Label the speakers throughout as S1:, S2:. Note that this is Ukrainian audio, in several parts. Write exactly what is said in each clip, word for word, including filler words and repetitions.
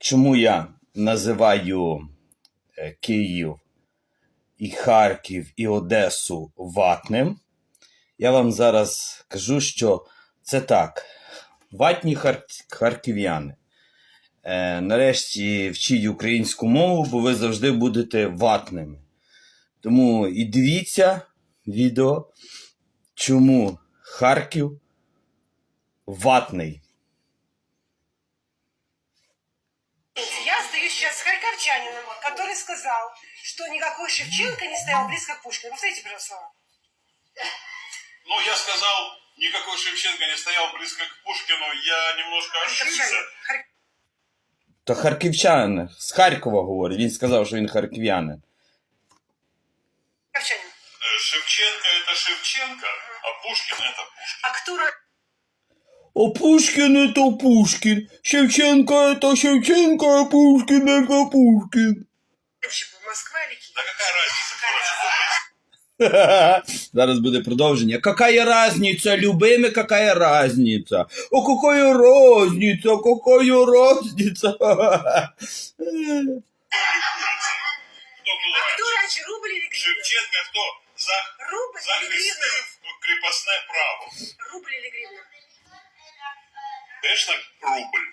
S1: Чому я називаю Київ і Харків і Одесу ватним? Я вам зараз кажу, що це так. Ватні хар... харків'яни. Е, нарешті вчіть українську мову, бо ви завжди будете ватними. Тому і дивіться відео, чому Харків ватний.
S2: Я остаюсь сейчас с харьковчанином, который сказал, что никакой Шевченко не стоял близко к Пушкину. Повторите, пожалуйста, слова.
S3: Ну, я сказал, никакой Шевченко не стоял близко к Пушкину, я немножко ошибся.
S2: Харьковчанин. Хар-
S1: То харківчанин, з Харкова говорить, він сказав, що він харків'янин.
S2: Харьковчанин.
S3: Э, Шевченко это Шевченко, а Пушкин это Пушкин.
S2: А кто ро-
S1: А Пушкин это Пушкин, Шевченко это Шевченко, а Пушкин это Пушкин.
S2: раньше был, Москва или Киев?
S3: Да какая разница, короче,
S1: Зараз буде продовження. Какая разница, любими, какая разница? О, какая разница, какая разница?
S3: Кто был
S2: А кто
S3: раньше?
S2: раньше, рубль или гривна?
S3: Шевченко кто? За,
S2: Рубль или
S3: захистив
S2: гривна?
S3: крепостное право.
S2: Рубль или гривна?
S3: Конечно, рубль.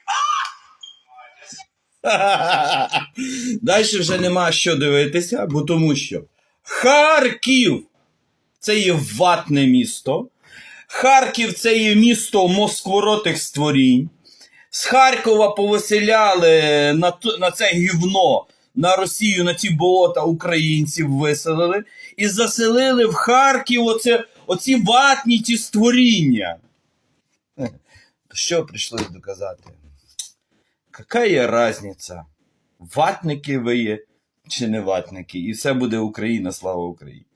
S1: Далі вже нема що дивитися, бо тому що Харків – це є ватне місто. Харків – це є місто москворотих створінь. З Харкова повиселяли на, т- на це гівно, на Росію, на ці болота українців виселили. І заселили в Харків оце, оці ватні ті створіння. Що прийшлось доказати? Какая разниця? Ватники ви є чи не ватники? І все буде Україна, слава Україні.